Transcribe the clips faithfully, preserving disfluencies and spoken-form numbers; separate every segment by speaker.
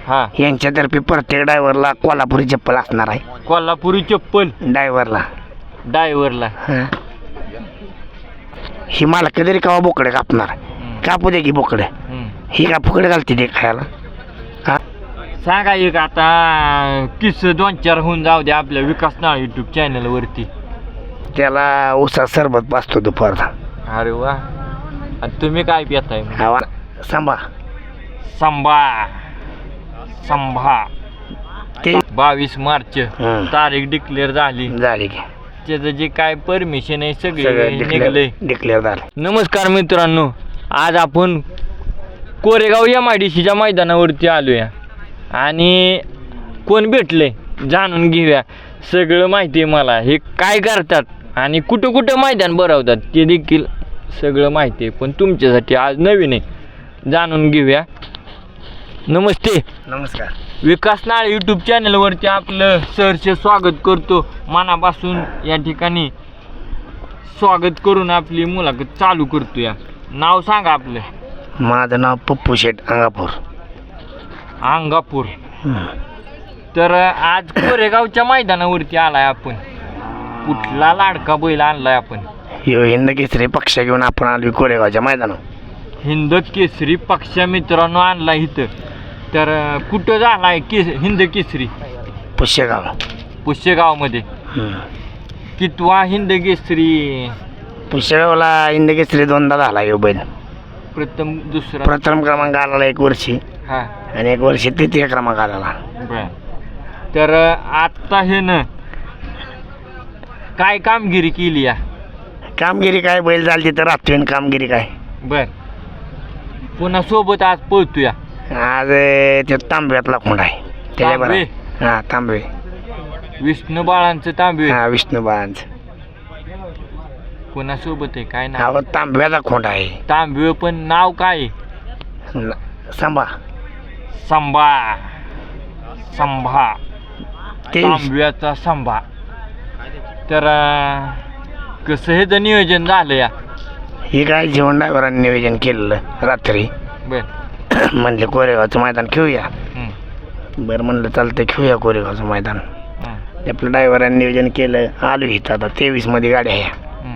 Speaker 1: हा
Speaker 2: यांच्यातर्फे प्रत्येक ड्रायव्हरला कोल्हापुरी चप्पल असणार आहे.
Speaker 1: कोल्हापुरी चप्पल
Speaker 2: ड्रायव्हरला
Speaker 1: ड्रायव्हरला
Speaker 2: ही मला कधी कावा बोकडे कापणार कापू दे की बोकडे ही का फुकडे घालते ते खायला. हा
Speaker 1: सांगा एक आता किस दोन चार होऊन जाऊ दे आपल्या विकास नाळ युट्यूब चॅनल वरती.
Speaker 2: त्याला उसा सरबत पाचतो दुपारचा.
Speaker 1: अरे वा. आणि तुम्ही काय पिताय?
Speaker 2: हवा सांभा
Speaker 1: संभा संभा
Speaker 2: ते
Speaker 1: बावीस मार्च
Speaker 2: हं.
Speaker 1: तारीख डिक्लेअर झाली.
Speaker 2: झाली की
Speaker 1: त्याचं जे काय परमिशन आहे सगळे
Speaker 2: सगळं
Speaker 1: निघले.
Speaker 2: डिक्लेअर झालं.
Speaker 1: नमस्कार मित्रांनो, आज आपण कोरेगाव एम आय डी सीच्या मैदानावरती आलोया आणि कोण भेटले जाणून घेऊया. सगळं माहिती आहे मला हे काय करतात आणि कुठं कुठं मैदान भरवतात ते देखील सगळं माहिती आहे. पण तुमच्यासाठी आज नवीन आहे, जाणून घेऊया. नमस्ते.
Speaker 2: नमस्कार.
Speaker 1: विकास नाळ यूट्यूब चॅनलवरती आपलं सहर्ष स्वागत करतो. मनापासून या ठिकाणी स्वागत करून आपली मुलाखत चालू करतो. या नाव सांगा आपलं.
Speaker 2: माझं नाव पप्पू शेठ अंगापूर.
Speaker 1: अंगापूर. तर आज कोरेगावच्या मैदानावरती आलाय आपण. कुठला लाडका बैल आणलाय आपण?
Speaker 2: यो हिंद केसरी पक्ष घेऊन आपण आलो कोरेगावच्या मैदानावर.
Speaker 1: हिंद केसरी पक्ष मित्रांनो आणला इथं. तर कुठं झालाय केस हिंद केसरी?
Speaker 2: पुष्यगाव.
Speaker 1: पुष्यगावमध्ये. कितवा हिंद केसरी?
Speaker 2: पुष्यगावला हिंद केसरी दोनदा झाला यो बैल.
Speaker 1: प्रथम दुसरा
Speaker 2: प्रथम क्रमांक आला एक वर्षी
Speaker 1: हा
Speaker 2: आणि एक वर्षी तृतीय क्रमांक आला.
Speaker 1: बर. तर आत्ता हे न काय कामगिरी केली या?
Speaker 2: कामगिरी काय बैल झाली तर राहतोय कामगिरी काय.
Speaker 1: बर. पुन्हा सोबत आज पळतोया.
Speaker 2: आज ते तांब्यातला खोंड आहे त्याच्याबरोबर.
Speaker 1: तांबे?
Speaker 2: हा तांबे.
Speaker 1: विष्णू बाळांचं तांबे.
Speaker 2: हा विष्णू बाळांचं.
Speaker 1: पुन्हा सोबत आहे काय नाव?
Speaker 2: हा तांब्याचा खोंड आहे.
Speaker 1: तांबे पण नाव काय?
Speaker 2: सांभा.
Speaker 1: संभा. संभा.
Speaker 2: ते
Speaker 1: तांब्याचा संभा. तर कसं हे तर नियोजन झालं या?
Speaker 2: हे काय जीवन ड्रायव्हरांनी नियोजन केलेलं रात्री.
Speaker 1: बर.
Speaker 2: म्हणले कोरेगावचं मैदान खेळूया.
Speaker 1: हं.
Speaker 2: बरं म्हणलं चालतं खेळूया कोरेगावचं मैदान.
Speaker 1: हं.
Speaker 2: आपल्या ड्रायव्हरांनी नियोजन केलं. आलो इथं आता तेवीस मध्ये गाड्या ह्या.
Speaker 1: हं.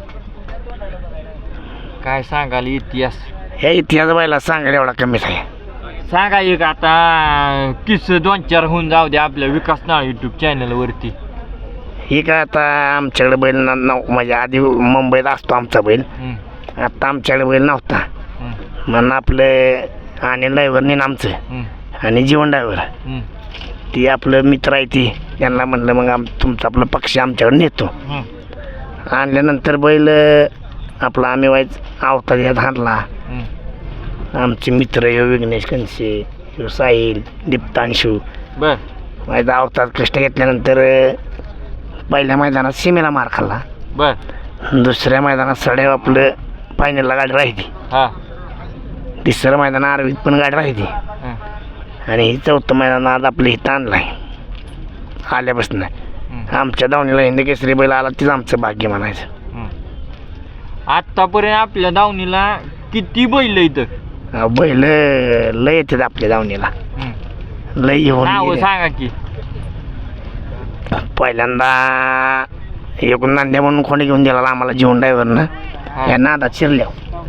Speaker 1: काय सांगाल इतिहास?
Speaker 2: ह्या इतिहास बायला सांगायला एवढा कमीच आहे.
Speaker 1: सांगा एक आता किस दोन चार होऊन जाऊ दे आपल्या विकास नाळ युट्यूब चॅनल वरती.
Speaker 2: ही काय आता आमच्याकडे बैल ना नव म्हणजे आधी मुंबईत असतो आमचा बैल.
Speaker 1: हं.
Speaker 2: आता आमच्याकडे बैल नव्हता
Speaker 1: हं.
Speaker 2: म्हणून आपलं अनिल ड्रायव्हरने आमचं
Speaker 1: हं.
Speaker 2: आणि जीवन ड्रायव्हर
Speaker 1: हं.
Speaker 2: ती आपलं मित्र आहे ती. त्यांना म्हणलं मग आम तुमचा आपलं पक्ष आमच्याकडे नेतो.
Speaker 1: हं.
Speaker 2: आणल्यानंतर बैल आपला आम्ही वाईच अवतार यात आणला.
Speaker 1: हं.
Speaker 2: आमचे मित्र यो विघ्नेश कनसे, यो साहिल, दीप्तांशू
Speaker 1: बर.
Speaker 2: वाईचा अवतार कष्ट घेतल्यानंतर पहिल्या मैदानात सीमेला मार खाल्ला.
Speaker 1: बर.
Speaker 2: दुसऱ्या मैदानात सड्या आपलं फायनलला गाडी राहिली.
Speaker 1: हा.
Speaker 2: तिसरं मैदान आरवीत पण गाडी राहिली.
Speaker 1: हं.
Speaker 2: आणि ही चौथं मैदान आज आपलं इथं आणलं आहे आल्यापासून.
Speaker 1: हं.
Speaker 2: आमच्या दावणीला हिंद केसरी बैल आला तीच आमचं भाग्य म्हणायचं.
Speaker 1: हं. आत्तापर्यंत आपल्या दावणीला किती बैल इथं?
Speaker 2: अहो, बैल लय येतात आपल्या दावणीला.
Speaker 1: हं.
Speaker 2: लय येऊन
Speaker 1: नाव
Speaker 2: गेले.
Speaker 1: सांगा की.
Speaker 2: पहिल्यांदा एक नांद्या म्हणून कोणी घेऊन दिला आम्हाला जीवन ड्रायव्हरनं.
Speaker 1: हा.
Speaker 2: या नादात शिरल्या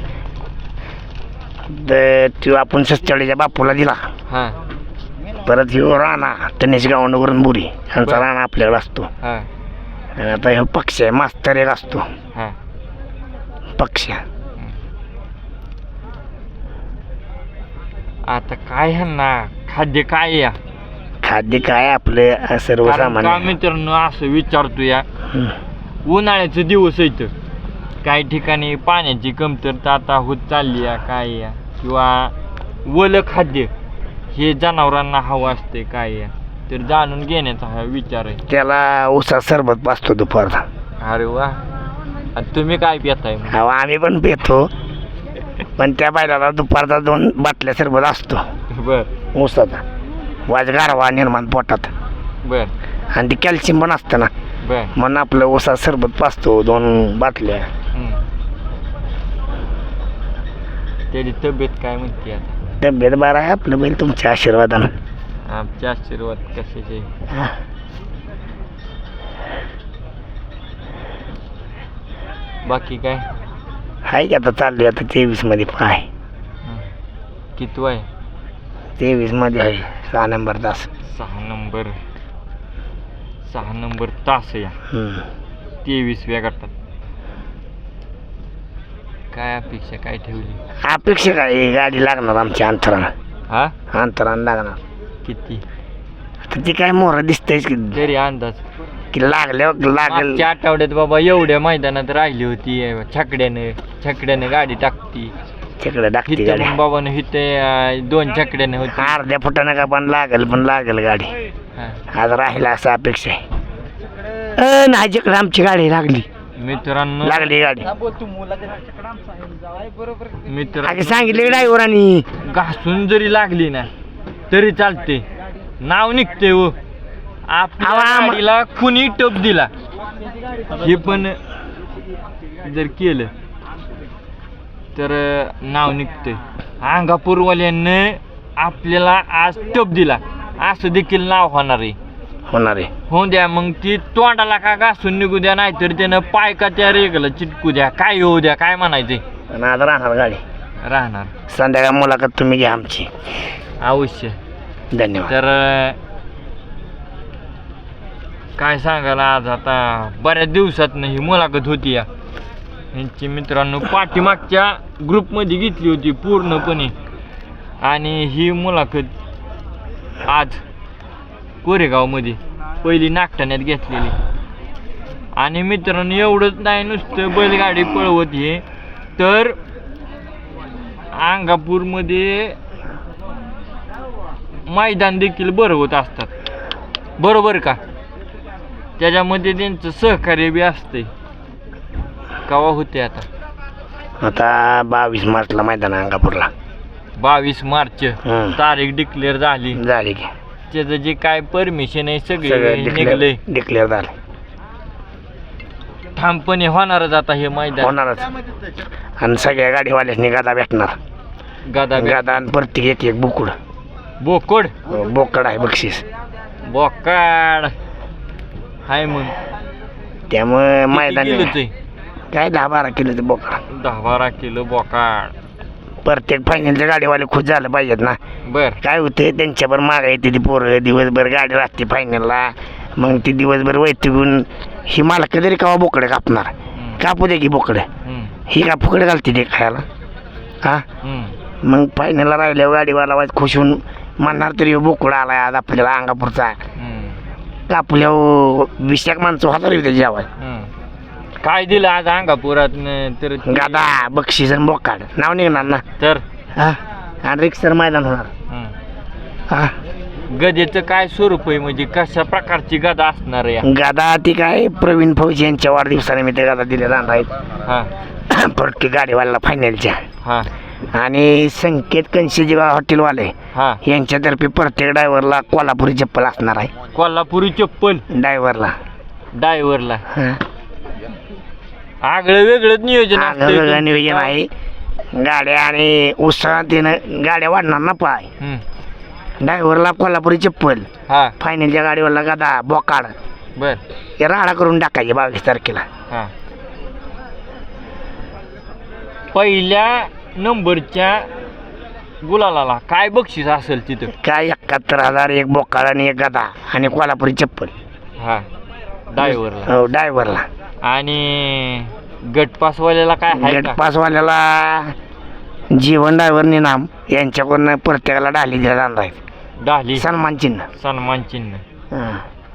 Speaker 2: तर तो आपण सस्त्याच्या बापूला दिला.
Speaker 1: हा.
Speaker 2: परत ह्यो राणा तनेश गावंडवरून बुरी यांचा
Speaker 1: बर.
Speaker 2: राणा आपल्याकडे असतो.
Speaker 1: हा.
Speaker 2: आणि आता ह्यो पक्ष आहे मास्तर एक असतो
Speaker 1: हा.
Speaker 2: पक्ष.
Speaker 1: आता काय ह्यांना खाद्य काय या?
Speaker 2: खाद्य काय आपलं
Speaker 1: कारण का
Speaker 2: सर्वसामान्य.
Speaker 1: मित्रांनो असं विचारतो या,
Speaker 2: हं.
Speaker 1: उन्हाळ्याचे दिवस आहेत, काही ठिकाणी पाण्याची कमतरता आता होत चालली आहे काय या, किंवा वलं खाद्य हे जनावरांना हवं असते काय या, तर जाणून घेण्याचा हा विचार आहे.
Speaker 2: त्याला उसा सरबत पाचतो दुपारचा.
Speaker 1: अरे वा. आणि तुम्ही काय पिताय?
Speaker 2: हो आम्ही पण पितो पण त्या बैलाला दुपारचा दोन बाटल्या सरबत असतो
Speaker 1: बर.
Speaker 2: ऊसाचा. वाज गारवा निर्माण पोटात.
Speaker 1: बर.
Speaker 2: आणि ते कॅल्शियम पण असतं ना
Speaker 1: बर.
Speaker 2: म्हणून आपलं ऊसा सरबत पाचतो दोन बाटल्या.
Speaker 1: त्याची तब्येत काय म्हणते आता?
Speaker 2: तब्येत बरं आहे आपलं बैल तुमच्या आशीर्वादानं.
Speaker 1: आमचे आशीर्वाद कशाचे.
Speaker 2: हा.
Speaker 1: बाकी काय
Speaker 2: आहे की आता चालली आता तेवीस मध्ये पाय
Speaker 1: किती आहे.
Speaker 2: तेवीस मध्ये आहे सहा नंबर तास.
Speaker 1: सहा नंबर सहा नंबर तास या
Speaker 2: हम्म.
Speaker 1: तेवीसव्या गटात. काय अपेक्षा काय ठेवली.
Speaker 2: अपेक्षा काय आहे? गाडी लागणार आमच्या अंतरानं.
Speaker 1: हा
Speaker 2: अंतरानं लागणार.
Speaker 1: किती
Speaker 2: आता ती काय मोहर दिसतंयच की
Speaker 1: तरी अंदाज.
Speaker 2: की लागल्यावर लागेल.
Speaker 1: मागच्या आठवड्यात बाबा एवढ्या मैदानात राहिली होती छकड्यानं छकड्यानं गाडी टाकती.
Speaker 2: तिकडे टाकते
Speaker 1: हिथं
Speaker 2: गाडी.
Speaker 1: मग बाबानं हिथं दोन छकड्यानं होती.
Speaker 2: अर्ध्या फुटानं का पण लागेल पण लागेल गाडी.
Speaker 1: हा.
Speaker 2: आज राहिला असं अपेक्षा आहे. अ नाही जिकडे आमची गाडी लागली
Speaker 1: मित्रांनो
Speaker 2: लागली गाडी.
Speaker 1: मित्र
Speaker 2: आधी सांगितले ड्रायव्हरांनी
Speaker 1: घासून जरी लागली ना तरी चालते. नाव निघते व आपल्या
Speaker 2: आवा, आम-
Speaker 1: गाडीला कुणी टप दिला हे पण जर केलं तर नाव निघते. अंगापूरवाल्यांनी आपल्याला आज टप दिला असं देखील नाव होणार आहे.
Speaker 2: होणार आहे.
Speaker 1: होऊ द्या मग ती तोंडाला का घासून निघू द्या नाहीतर त्यानं पाय का त्या रेगला चिटकू द्या काय होऊ द्या काय म्हणायचे
Speaker 2: आणि आज राहणार गाडी.
Speaker 1: राहणार.
Speaker 2: संध्याकाळ मुलाखत तुम्ही घ्या आमची.
Speaker 1: अवश्य.
Speaker 2: धन्यवाद.
Speaker 1: तर काय सांगायला आज आता बऱ्याच दिवसात ही मुलाखत होती या यांची मित्रांनो पाठीमागच्या ग्रुपमध्ये घेतली होती पूर्णपणे आणि ही मुलाखत आज कोरेगावमध्ये पहिली नागठाण्यात घेतलेली. आणि मित्रांनो एवढंच नाही नुसतं बैलगाडी पळवत हे तर अंगापूरमध्ये मैदान देखील भरवत असतात बरोबर का. त्याच्यामध्ये त्यांचं सहकार्य बी असते. केव्हा होते आता
Speaker 2: आता बावीस मार्चला मैदान आहे अंगापूरला.
Speaker 1: बावीस मार्च
Speaker 2: हम्म.
Speaker 1: तारीख डिक्लेअर झाली.
Speaker 2: झाली की
Speaker 1: त्याचं जे काय परमिशन आहे सगळे
Speaker 2: सगळं
Speaker 1: निघले.
Speaker 2: डिक्लेअर डिक्लेअर झालं.
Speaker 1: ठामपणे होणारच आता हे मैदान.
Speaker 2: होणारच. आणि सगळ्या गाडीवाल्यासनी गादा भेटणार.
Speaker 1: गदा
Speaker 2: गादा आणि प्रत्येक एक एक बुकुड
Speaker 1: बोकड
Speaker 2: बोकड आहे बक्षीस.
Speaker 1: बोकाड हाय मग
Speaker 2: त्यामुळे
Speaker 1: किती
Speaker 2: मैदान
Speaker 1: किलोचं आहे?
Speaker 2: काय दहा बारा किलोचं बोकड.
Speaker 1: दहा बारा किलो बोकाड.
Speaker 2: प्रत्येक फायनलच्या गाडीवाले खुश झालं पाहिजेत ना.
Speaker 1: बर
Speaker 2: काय होते त्यांच्यावर माग येते ती पोरं दिवसभर गाडी राहते फायनलला. मग ती दिवसभर वैतगून ही मला कधी कावा बोकडे कापणार.
Speaker 1: हम्म.
Speaker 2: कापू दे की बोकडे.
Speaker 1: हम्म.
Speaker 2: ही का फुकडे घालते ते खायला. हा
Speaker 1: हम्म.
Speaker 2: मग फायनलला राहिल्यावर गाडीवाला वाज खुश होऊन म्हणणार तरी बोकडा आलाय आज आपल्याला अंगापूरचा.
Speaker 1: हम्म.
Speaker 2: कापल्यावर वीस एक माणसं हजार येते जेवाय.
Speaker 1: हम्म. काय दिलं आज अंगापुरात तर
Speaker 2: गादा बक्षीस आणि बोकाड नाव निघणार ना.
Speaker 1: तर
Speaker 2: हा आणि रिक्सर मैदान होणार.
Speaker 1: हम्म.
Speaker 2: हा
Speaker 1: गदेचं काय स्वरूप आहे म्हणजे कशा प्रकारची गदा असणार आहे या?
Speaker 2: गादा ती काय प्रवीण फौजी यांच्या वाढदिवसाने मी ते गादा दिले राहणार आहेत.
Speaker 1: हा
Speaker 2: प्रत्येक गाडीवाला फायनलच्या.
Speaker 1: हा
Speaker 2: आणि संकेत कंशीजी हॉटेलवाले
Speaker 1: हा
Speaker 2: यांच्यातर्फे प्रत्येक ड्रायव्हरला कोल्हापुरी चप्पल असणार आहे.
Speaker 1: कोल्हापुरी चप्पल
Speaker 2: ड्रायव्हरला
Speaker 1: ड्रायव्हरला आगळं वेगळंच नियोजन असतं
Speaker 2: वेगळं नियोजन आहे. गाड्या आणि उत्साहातीनं गाड्या वाढणार ना पाय.
Speaker 1: हम्म.
Speaker 2: ड्रायव्हरला कोल्हापुरी चप्पल
Speaker 1: हा
Speaker 2: फायनलच्या गाडीवरला गादा बोकाड
Speaker 1: बर
Speaker 2: हे राडा करून टाकायचे बावीस तारखेला.
Speaker 1: हा पहिल्या नंबरच्या गुलालाला काय बक्षीस असेल तिथं.
Speaker 2: काय एकाहत्तर हजार एक बोकाड आणि एक गादा आणि कोल्हापुरी चप्पल.
Speaker 1: हा ड्रायव्हरला
Speaker 2: हो ड्रायव्हरला.
Speaker 1: आणि गटपासवाल्याला काय आहे
Speaker 2: गेट
Speaker 1: का?
Speaker 2: पासवाल्याला जीवन ड्रायव्हर निनाम यांच्याकडून प्रत्येकाला डाली दिल्या जाणार आहेत.
Speaker 1: डाली
Speaker 2: सन्मान चिन्ह.
Speaker 1: सन्मान चिन्ह.
Speaker 2: हं.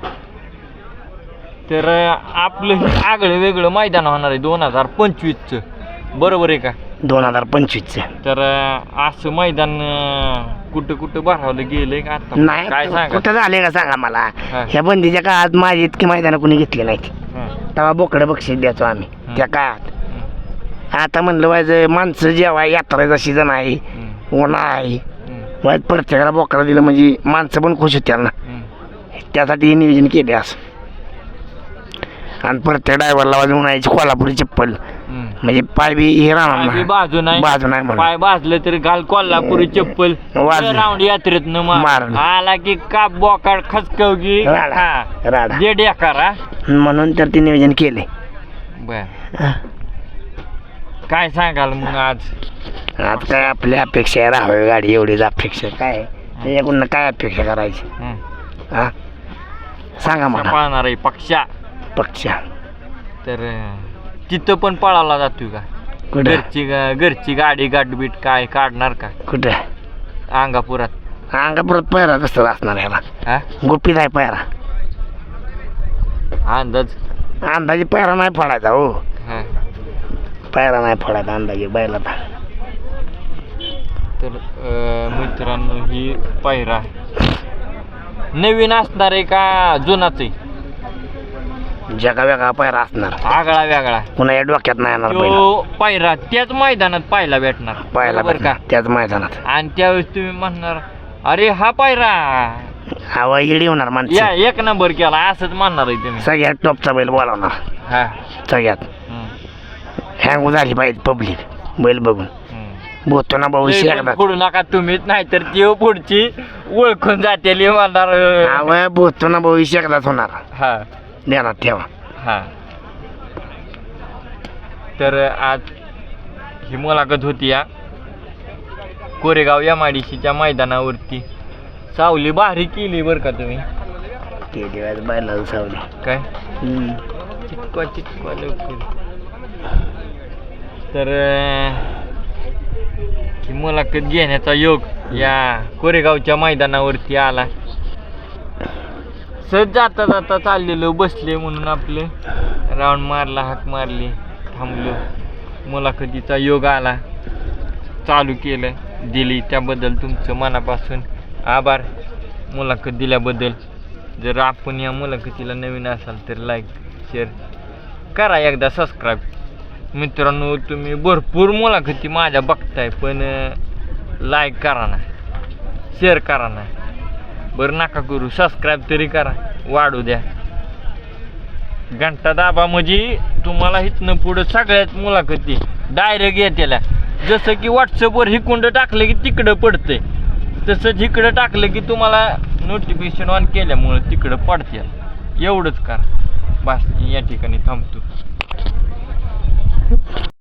Speaker 1: तर आपलं हे आगळं वेगळं मैदान होणार आहे दोन हजार पंचवीसचं बरोबर आहे का.
Speaker 2: दोन हजार पंचवीसचे
Speaker 1: तर असं मैदान अं, कुठं कुठं भरावलं गेलंय का आता
Speaker 2: नाही
Speaker 1: काय सांगा.
Speaker 2: कुठं झाले का सांगा मला.
Speaker 1: हा.
Speaker 2: ह्या बंदीच्या काळात माझी इतकी मैदानं कोणी घेतली नाहीत.
Speaker 1: हं,
Speaker 2: तेव्हा बोकडं बक्षीस द्यायचो आम्ही
Speaker 1: हं.
Speaker 2: त्या काळात.
Speaker 1: हं,
Speaker 2: आता म्हणलं वायचं माणसं जेव्हा यात्रेचा सीझन आहे
Speaker 1: हं,
Speaker 2: उन्हा आहे
Speaker 1: हं,
Speaker 2: वाईट प्रत्येकाला बोकडा दिलं म्हणजे माणसं पण खुश होत्या ना.
Speaker 1: हं.
Speaker 2: त्यासाठी हे नियोजन केले असं. आणि प्रत्येक ड्रायव्हरला वाजून उन्हाळ्याची कोल्हापुरी चप्पल
Speaker 1: हं.
Speaker 2: म्हणजे पाय बी हे
Speaker 1: पाय बी
Speaker 2: राहणार
Speaker 1: बाजू नाही
Speaker 2: बाजू नाही म्हणून
Speaker 1: पाय भाजलं तर घाल कोल्हापुरी चप्पल
Speaker 2: वाजले.
Speaker 1: राऊंड यात्रेत न
Speaker 2: मारण.
Speaker 1: आला की काप बोकाड खचकवगी
Speaker 2: राडा.
Speaker 1: हा
Speaker 2: राडा.
Speaker 1: जे डेकारा
Speaker 2: म्हणून तर ते नियोजन केले
Speaker 1: बर काय सांगाल मग आज
Speaker 2: आज काय आपली अपेक्षा आहे राहावी गाडी एवढीच अपेक्षा काय आहे? त्याच्याकडून काय अपेक्षा करायची
Speaker 1: हं.
Speaker 2: हा सांगा
Speaker 1: पक्षा
Speaker 2: मला
Speaker 1: पळणार आहे पक्षा
Speaker 2: पक्षा
Speaker 1: तर अं, तिथं पण पळाला जातोय का
Speaker 2: कुठं
Speaker 1: घरची गा- घरची गाडी गाठबीट काय काढणार का
Speaker 2: कुठं
Speaker 1: अंगापुरात
Speaker 2: अंगापुरात पैरा कसं असणार ह्याला
Speaker 1: हा
Speaker 2: गुपित आहे पैरा
Speaker 1: अंदाज
Speaker 2: अंदाजे पैरा नाही फोडायचा हो
Speaker 1: हा
Speaker 2: पैरा नाही फोडायचा अंदाजे बैलाचा
Speaker 1: तर अं, मित्रांनो ही पायरा नवीन असणार आहे का जुनाच आहे
Speaker 2: जगा वेगळा पैरा असणार
Speaker 1: आगळा वेगळा
Speaker 2: पुन्हा या डोक्यात नाही येणार बैल
Speaker 1: तो पायरा त्याच मैदानात पाहायला भेटणार
Speaker 2: पाहायला
Speaker 1: बरोबर का
Speaker 2: भेटणार त्याच मैदानात
Speaker 1: आणि त्यावेळेस तुम्ही म्हणणार अरे हा पायरा
Speaker 2: हवा इडी होणार
Speaker 1: या
Speaker 2: माणसं
Speaker 1: एक नंबर केला असंच म्हणणार आहे तुम्ही
Speaker 2: सगळ्यात टॉपचा बैल बोलावणार
Speaker 1: हा
Speaker 2: सगळ्यात
Speaker 1: हं,
Speaker 2: हँग झाली पाहिजे पब्लिक बैल बघून
Speaker 1: हं.
Speaker 2: बोलतो ना भाऊ
Speaker 1: लय पण
Speaker 2: शेकदाच
Speaker 1: फोडू नका तुम्हीच नाही तर ती पुढची ओळखून जाते म्हणणार
Speaker 2: हवा बोलतो ना भाऊ शेकदाच होणार
Speaker 1: हा
Speaker 2: देणार ठेवा
Speaker 1: हा तर आज ही मुलाखत होती या कोरेगाव एम आय डी सीच्या मैदानावरती सावली भारी केली बरं का तुम्ही
Speaker 2: ते दिवस बैलाला सावली
Speaker 1: काय
Speaker 2: हम्म.
Speaker 1: चिटकवा चिटकवा लवकर तर अं, ही मुलाखत घेण्याचा योग या कोरेगावच्या मैदानावरती आला सहज जाता जाता चाललेलो बसले म्हणून आपले राऊंड मारला हाक मारली थांबलो मुलाखतीचा योग आला चालू केलं दिली त्याबद्दल तुमचं मनापासून आभार मुलाखत दिल्याबद्दल जर आपण या मुलाखतीला नवीन असाल तर लाईक शेअर करा एकदा सबस्क्राईब मित्रांनो तुम्ही भरपूर मुलाखती माझ्या बघताय पण लाईक करा ना शेअर करा ना बरं नका करू सबस्क्राईब तरी करा वाढू द्या घंटा दाबा म्हणजे तुम्हाला इथनं पुढं सगळ्यात मुलाखती डायरेक्ट येत्याला जसं की व्हॉट्सअपवर हिकुंड टाकलं की तिकडं पडतंय तसंच इकडं टाकलं की तुम्हाला नोटिफिकेशन ऑन केल्यामुळं तिकडं पडते एवढंच करा बस या ठिकाणी थांबतो